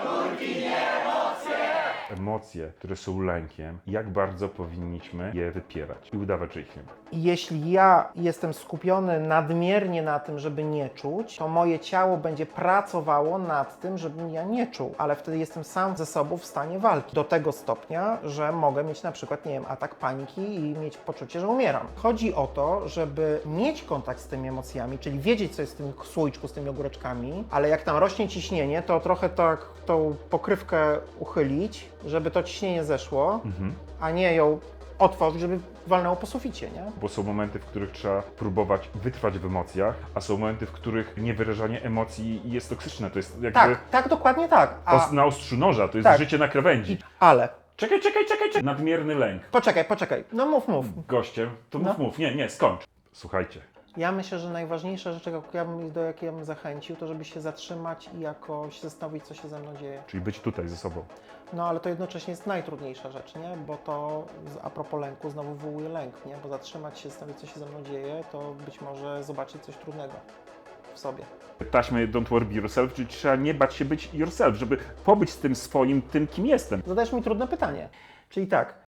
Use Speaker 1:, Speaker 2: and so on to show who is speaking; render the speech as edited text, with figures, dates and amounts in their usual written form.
Speaker 1: Emocje, które są lękiem, jak bardzo powinniśmy je wypierać i udawać, że ich nie ma.
Speaker 2: Jeśli ja jestem skupiony nadmiernie na tym, żeby nie czuć, to moje ciało będzie pracowało nad tym, żebym ja nie czuł, ale wtedy jestem sam ze sobą w stanie walki. Do tego stopnia, że mogę mieć na przykład, nie wiem, atak paniki i mieć poczucie, że umieram. Chodzi o to, żeby mieć kontakt z tymi emocjami, czyli wiedzieć, co jest w tym słoiczku z tymi ogóreczkami, ale jak tam rośnie ciśnienie, to trochę tak tą pokrywkę uchylić, żeby to ciśnienie zeszło, a nie ją otworzyć, żeby walnęło po suficie, nie?
Speaker 1: Bo są momenty, w których trzeba próbować wytrwać w emocjach, a są momenty, w których niewyrażanie emocji jest toksyczne. To jest jakby
Speaker 2: Tak, dokładnie tak.
Speaker 1: na ostrzu noża, to jest
Speaker 2: Tak.
Speaker 1: życie na krawędzi.
Speaker 2: Ale,
Speaker 1: Czekaj. Nadmierny lęk.
Speaker 2: poczekaj, no mów.
Speaker 1: Gościem, to
Speaker 2: No.
Speaker 1: mów. Nie, skończ. Słuchajcie,
Speaker 2: Ja myślę, że najważniejsza rzecz, do jakiej ja bym zachęcił, to żeby się zatrzymać i jakoś zastanowić, co się ze mną dzieje.
Speaker 1: czyli być tutaj ze sobą.
Speaker 2: No ale to jednocześnie jest najtrudniejsza rzecz, nie? Bo to a propos lęku znowu wywołuje lęk, nie? Bo zatrzymać się, zastanowić, co się ze mną dzieje, to być może zobaczyć coś trudnego w sobie.
Speaker 1: Taśmy Don't Worry Be Yourself, czyli trzeba nie bać się być yourself, żeby pobyć z tym swoim, tym kim jestem.
Speaker 2: Zadajesz mi trudne pytanie. Czyli tak,